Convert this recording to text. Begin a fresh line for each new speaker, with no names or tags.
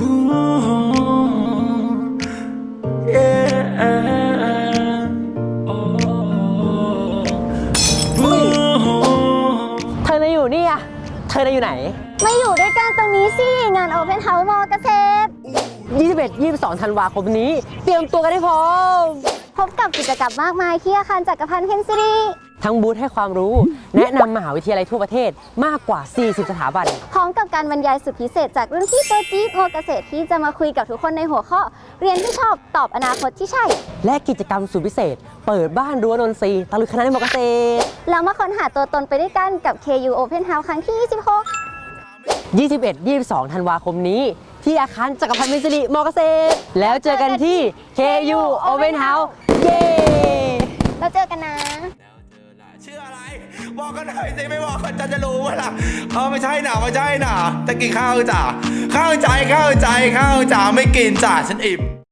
เธอน่ะอยู่นี่อะเธอน่ะอยู่ไหน
มาอยู่ด้วยกันตรงนี้สิงาน Open House มอเกษตร
21-22 ธันวาคมนี้เตรียมตัวกันให้พร้อม
พบกับกิจกรรมมากมายที่อาคารจักรพันธ์เพนซิรี
ทั้งบูธให้ความรู้แนะนำมหาวิทยาลัยทั่วประเทศมากกว่า 40 สถาบัน
พร้อมกับการบรรยายสุดพิเศษจากรุ่นพี่ตัวจี๊ดมอเกษตรที่จะมาคุยกับทุกคนในหัวข้อเรียนที่ชอบตอบอนาคตที่ใช่
และกิจกรรมสุดพิเศษเปิดบ้านรั้วนนทรีย์ตะลุยคณะมอเกษตร
แล้วมาค้นหาตัวตนไปด้วยกันกับ KU Open House ครั้งที่
21-22 ธันวาคมนี้ที่อาคารจักรพันธ์เพนซิรีมอเกษตรแล้วเจอกันที่ KU Open House เย้
เราเจอกันนะ
ชื่ออะไรบอกกันหน่อยสิไม่บอกกันจะรู้ว่าล่ะไม่ใช่หนาจะกินข้าวจ้ะข้าวใจไม่กินจ้ะฉันอิ่ม